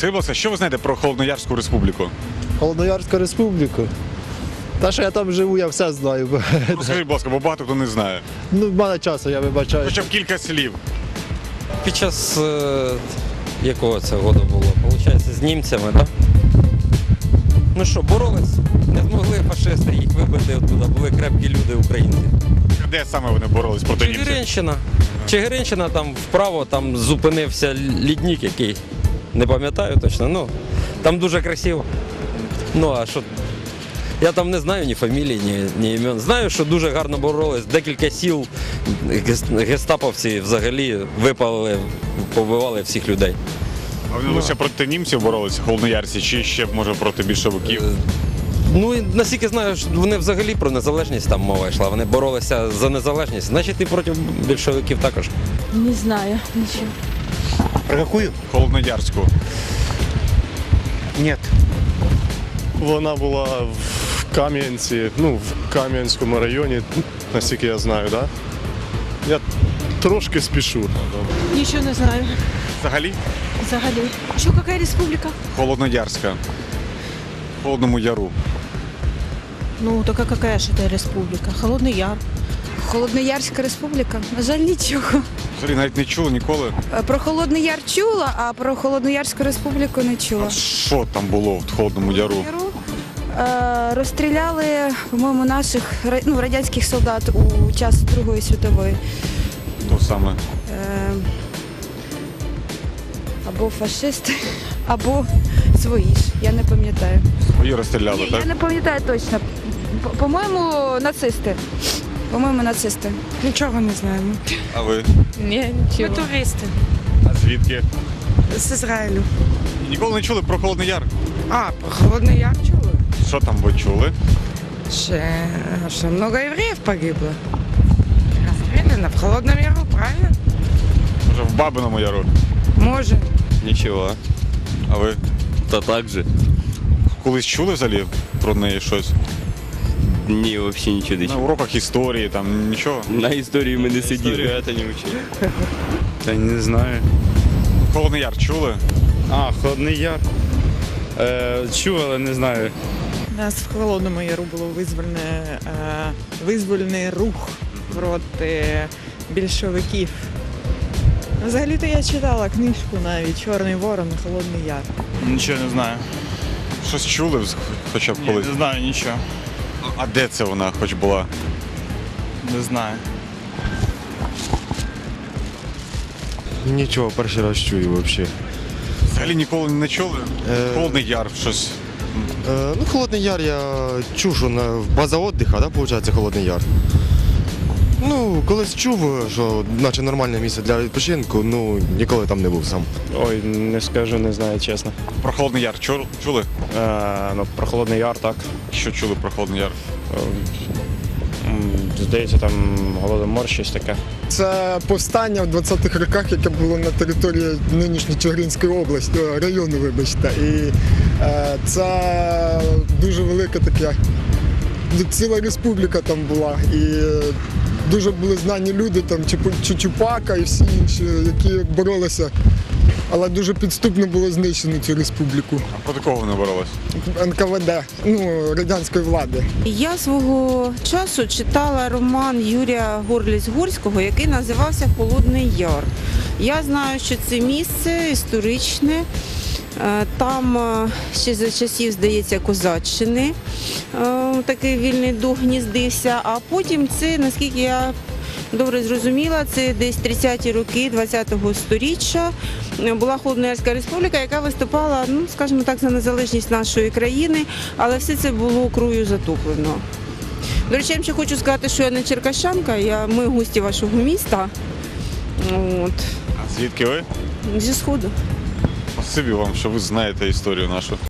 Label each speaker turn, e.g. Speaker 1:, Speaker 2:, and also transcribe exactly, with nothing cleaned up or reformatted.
Speaker 1: Скажіть, будь ласка, що ви знаєте про Холодноярську республіку?
Speaker 2: Холодноярську республіку. Та, що я там живу, я все знаю.
Speaker 1: Скажіть, будь ласка, бо багато хто не знає.
Speaker 2: Ну, в мене часу, я вибачаю.
Speaker 1: Хоча б кілька слів.
Speaker 3: Під час е, якого це году було? Получається, з німцями, так? Ну що, боролись? Не змогли фашисти їх вибити оттуда, були крепкі люди українці.
Speaker 1: Де саме вони боролись проти німців?
Speaker 3: Чигиринщина. Чигиринщина, там вправо, там зупинився лідник який. Не пам'ятаю точно, ну, там дуже красиво. Ну, а що? Я там не знаю ні фамілій, ні, ні імен. Знаю, що дуже гарно боролись. Декілька сіл гестаповці взагалі випали, побивали всіх людей.
Speaker 1: А вони лише проти німців боролися, холодноярці, чи ще, може, проти більшовиків?
Speaker 3: Ну, і наскільки знаю, що вони взагалі про незалежність там мова йшла. Вони боролися за незалежність. Значить, і проти більшовиків також.
Speaker 4: Не знаю ничего.
Speaker 5: Про какую?
Speaker 1: Холодноярську.
Speaker 5: Нет.
Speaker 6: Вона була в Кам'янці, ну, в Кам'янському районі, наскільки я знаю, так? Да? Я трошки спішу.
Speaker 4: Ничего не знаю.
Speaker 1: Взагалі?
Speaker 4: Взагалі. Что, какая республика?
Speaker 1: Холодноярська. В Холодному Яру.
Speaker 4: Ну, так какая же это республика? Холодный Яр.
Speaker 7: Холодноярська республіка? На жаль, нічого.
Speaker 1: Взагалі навіть не чули ніколи.
Speaker 7: Е, Про Холодний Яр чула, а про Холодноярську республіку не чула.
Speaker 1: А що там було в Холодному Яру?
Speaker 7: Яру, е, Розстріляли, по-моєму, наших ра- ну, радянських солдат у час Другої світової.
Speaker 1: То саме.
Speaker 7: Е, Або фашисти, або свої ж, я не пам'ятаю.
Speaker 1: Свої розстріляли,
Speaker 7: Ні,
Speaker 1: так?
Speaker 7: я не пам'ятаю точно. По- По-моєму, нацисти. По-моєму, нацисти.
Speaker 8: Нічого не знаємо.
Speaker 1: А ви?
Speaker 4: Не, ничего.
Speaker 8: Ми туристи
Speaker 1: А звідки?
Speaker 8: з Ізраїлю.
Speaker 1: І ніколи не чули про Холодний Яр?
Speaker 8: А, про Холодний Яр чули?
Speaker 1: Що там ви чули?
Speaker 8: Ще, що много євреїв погибло. Розстріляно в Холодному Яру, правильно?
Speaker 1: Може, в Бабиному Яру?
Speaker 8: Може.
Speaker 9: Нічого.
Speaker 1: А ви
Speaker 9: Та так же.
Speaker 1: колись чули взагалі про неї щось?
Speaker 9: Ні, взагалі нічого не
Speaker 1: На
Speaker 9: чув.
Speaker 1: уроках історії, там нічого?
Speaker 9: На історії ми не сиділи.
Speaker 6: Історію це не вчили.
Speaker 10: Та не знаю.
Speaker 1: Холодний Яр чули?
Speaker 10: А, Холодний Яр. Е, чув, але не знаю.
Speaker 8: У нас в Холодному Яру було визвольне, е, визвольний рух проти більшовиків. Взагалі-то я читала книжку навіть «Чорний ворон, Холодний Яр».
Speaker 10: Нічого не знаю.
Speaker 1: Щось чули вз- хоча б
Speaker 10: Ні,
Speaker 1: колись?
Speaker 10: не знаю нічого.
Speaker 1: А де це вона хоч була?
Speaker 10: Не знаю.
Speaker 6: Нічого, перший раз чую взагалі.
Speaker 1: Взагалі ніколи не чули?
Speaker 6: Е.
Speaker 1: Холодний Яр, щось.
Speaker 6: Е, ну, Холодний Яр я чув, що на база відпочинку, да, виходить, Холодний Яр. Ну, колись чув, що наче нормальне місце для відпочинку, ну ніколи там не був сам.
Speaker 11: Ой, не скажу, не знаю, чесно.
Speaker 1: Про Холодний Яр чу- чули?
Speaker 11: Е, ну, про Холодний Яр, так.
Speaker 1: Що чули про Холодний Яр?
Speaker 11: Е, м, Здається, там Голодомор, щось таке.
Speaker 2: Це повстання в двадцятих роках, яке було на території нинішньої Чигиринської області, о, району, вибачте. І е, це дуже велика така, ціла республіка там була. І е, дуже були знані люди, там Чупу- Чучупака і всі інші, які боролися. Але дуже підступно було знищено цю республіку.
Speaker 1: А проти кого вони боролись?
Speaker 2: ен ка ве де, ну, радянської влади.
Speaker 12: Я свого часу читала роман Юрія Горліць-Горського, який називався «Холодний Яр». Я знаю, що це місце історичне. Е, Там е, ще за часів, здається, козаччини е, такий вільний дух гніздився, а потім це, наскільки я добре зрозуміла, це десь тридцяті роки ХХ сторіччя була Холодноярська республіка, яка виступала, ну, скажімо так, за незалежність нашої країни, але все це було кров'ю затоплено. До речі, я ще хочу сказати, що я не черкащанка, я, ми гості вашого міста. От.
Speaker 1: А звідки ви?
Speaker 12: Зі Сходу.
Speaker 1: Спасибі вам, що ви знаєте історію нашу.